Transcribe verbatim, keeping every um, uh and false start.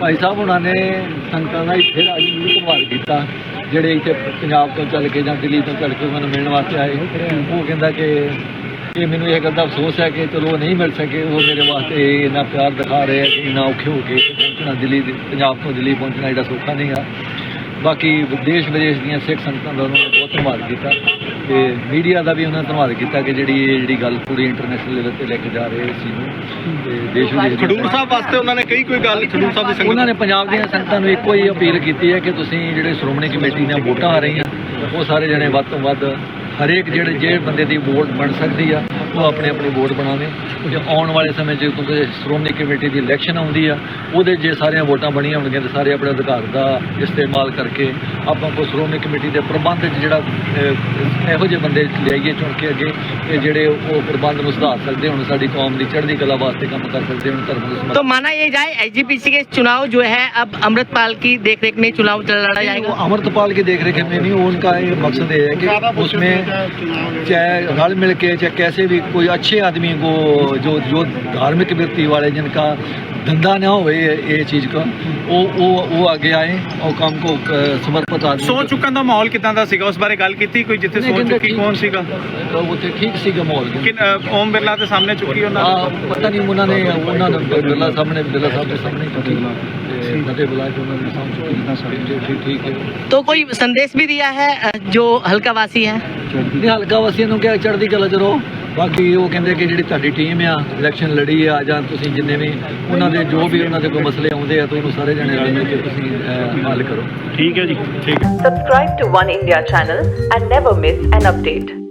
भाई साहब उन्होंने संगतां दा फिर अज भी धन्नवाद किया ਜਿਹੜੇ ਇੱਥੇ ਪੰਜਾਬ ਤੋਂ ਚੱਲ ਕੇ ਜਾਂ ਦਿੱਲੀ ਤੋਂ ਚੱਲ ਕੇ ਉਹਨਾਂ ਨੂੰ ਮਿਲਣ ਵਾਸਤੇ ਆਏ। ਉਹ ਕਹਿੰਦਾ ਕਿ ਇਹ ਮੈਨੂੰ ਇਹ ਗੱਲ ਦਾ ਅਫਸੋਸ ਹੈ ਕਿ ਚਲੋ ਨਹੀਂ ਮਿਲ ਸਕੇ, ਉਹ ਮੇਰੇ ਵਾਸਤੇ ਇੰਨਾ ਪਿਆਰ ਦਿਖਾ ਰਹੇ ਆ ਕਿ ਇੰਨਾ ਔਖੇ ਹੋ ਕੇ ਪਹੁੰਚਣਾ ਦਿੱਲੀ, ਪੰਜਾਬ ਤੋਂ ਦਿੱਲੀ ਪਹੁੰਚਣਾ ਜਿਹੜਾ ਸੌਖਾ ਨਹੀਂ ਆ। ਬਾਕੀ ਦੇਸ਼ ਵਿਦੇਸ਼ ਦੀਆਂ ਸਿੱਖ ਸੰਗਤਾਂ ਦਾ ਉਹਨਾਂ ਨੇ ਬਹੁਤ ਧੰਨਵਾਦ ਕੀਤਾ ਤੇ ਮੀਡੀਆ ਦਾ ਵੀ ਉਹਨਾਂ ਨੇ ਧੰਨਵਾਦ ਕੀਤਾ ਕਿ ਜਿਹੜੀ ਇਹ ਜਿਹੜੀ ਗੱਲ ਪੂਰੀ ਇੰਟਰਨੈਸ਼ਨਲ ਲੈਵਲ ਤੇ ਲੈ ਕੇ ਜਾ ਰਹੇ ਇਸ ਚੀਜ਼ ਨੂੰ ਤੇ ਦੇਸ਼ ਵਿਦੇਸ਼ ਖਡੂਰ ਸਾਹਿਬ ਵਾਸਤੇ ਉਹਨਾਂ ਨੇ ਕਈ ਕੋਈ ਗੱਲ ਖਡੂਰ ਸਾਹਿਬ ਦੀ ਸੰਗਤ ਉਹਨਾਂ ਨੇ ਪੰਜਾਬ ਦੀਆਂ ਸੰਗਤਾਂ ਨੂੰ ਇੱਕੋ ਹੀ ਅਪੀਲ ਕੀਤੀ ਹੈ ਕਿ ਤੁਸੀਂ ਜਿਹੜੇ ਸ਼੍ਰੋਮਣੀ ਕਮੇਟੀ ਦੀਆਂ ਵੋਟਾਂ ਆ ਰਹੀਆਂ ਉਹ ਸਾਰੇ ਜਣੇ ਵੱਧ ਤੋਂ ਵੱਧ ਹਰੇਕ ਜਿਹੜੇ ਜਿਹੜੇ ਬੰਦੇ ਦੀ ਵੋਟ ਬਣ ਸਕਦੀ ਆ ਉਹ ਆਪਣੇ ਆਪਣੇ ਵੋਟ ਬਣਾਵੇ। ਜੇ ਆਉਣ ਵਾਲੇ ਸਮੇਂ 'ਚ ਕਿਉਂਕਿ ਸ਼੍ਰੋਮਣੀ ਕਮੇਟੀ ਦੀ ਇਲੈਕਸ਼ਨ ਆਉਂਦੀ ਆ ਉਹਦੇ ਜੇ ਸਾਰੀਆਂ ਵੋਟਾਂ ਬਣੀਆਂ ਹੋਣਗੀਆਂ ਤਾਂ ਸਾਰੇ ਆਪਣੇ ਅਧਿਕਾਰ ਦਾ ਇਸਤੇਮਾਲ ਕਰਕੇ ਆਪਾਂ ਕੋਈ ਸ਼੍ਰੋਮਣੀ ਕਮੇਟੀ ਦੇ ਪ੍ਰਬੰਧ 'ਚ ਜਿਹੜਾ ਇਹੋ ਜਿਹੇ ਬੰਦੇ ਲਿਆਈਏ ਚੁਣ ਕੇ ਅੱਗੇ ਕਿ ਜਿਹੜੇ ਉਹ ਪ੍ਰਬੰਧ ਨੂੰ ਸੁਧਾਰ ਸਕਦੇ ਹੁਣ, ਸਾਡੀ ਕੌਮ ਦੀ ਚੜ੍ਹਦੀ ਕਲਾ ਵਾਸਤੇ ਕੰਮ कर सकते हैं धर्म को। तो माना ये जाए एसजीपीसी के चुनाव जो है अब अमृतपाल की देखरेख में चुनाव लड़ा जाएगा। अमृतपाल की देखरेख में नहीं, उनका ये मकसद ये है कि उसमें चाहे रल मिल के चाहे कैसे भी कोई अच्छे आदमी को जो जो धार्मिक व्यक्ति वाले जिनका धंधा ना हो ये चीज़ का वो वो वो आगे आए और काम को समर्पित आदमी ਸੋ ਚੁੱਕਣ ਦਾ ਮਾਹੌਲ ਕਿਦਾਂ ਦਾ ਸੀਗਾ ਉਸ ਬਾਰੇ ਗੱਲ ਕੀਤੀ ਕੋਈ ਜਿੱਥੇ ਸੋ ਚੁੱਕੀ ਕੌਣ ਸੀਗਾ ਉੱਥੇ ਠੀਕ ਸੀਗਾ ਮਾਹੌਲ ਕਿ ਓਮ ਬਿਰਲਾ ਦੇ ਸਾਹਮਣੇ ਚੁੱਕੀ ਉਹਨਾਂ ਹਾਂ ਪਤਾ ਨਹੀਂ ਉਹਨਾਂ ਨੇ ਉਹਨਾਂ ਨੇ ਬਿਰਲਾ ਸਾਹਮਣੇ ਬਿਰਲਾ ਸਾਹਿਬ ਦੇ ਸਾਹਮਣੇ ਚੁੱਕੀ ਤੇ ਨਦੇ ਬੁਲਾ ਕੇ ਉਹਨਾਂ ਦੇ ਸਾਹਮਣੇ ਚੁੱਕੀ ਠੀਕ ਹੈ। तो कोई संदेश भी दिया है जो हल्का वासी है ਨਹੀਂ ਹਲਕਾ ਵਾਸੀਆਂ ਨੂੰ ਕਿਹਾ ਚੜ੍ਹਦੀ ਕਲਾ 'ਚ ਰਹੋ। ਬਾਕੀ ਉਹ ਕਹਿੰਦੇ ਕਿ ਜਿਹੜੀ ਤੁਹਾਡੀ ਟੀਮ ਆ ਇਲੈਕਸ਼ਨ ਲੜੀ ਆ ਜਾਂ ਤੁਸੀਂ ਜਿੰਨੇ ਵੀ ਉਹਨਾਂ ਦੇ ਜੋ ਵੀ ਉਹਨਾਂ ਦੇ ਕੋਈ ਮਸਲੇ ਆਉਂਦੇ ਆ ਤਾਂ ਉਹਨੂੰ ਸਾਰੇ ਜਣੇ ਰਲ ਮਿਲ ਕੇ ਤੁਸੀਂ ਹੱਲ ਕਰੋ। ਠੀਕ ਹੈ ਜੀ ਠੀਕ ਹੈ। Subscribe to One India channel and never miss an update.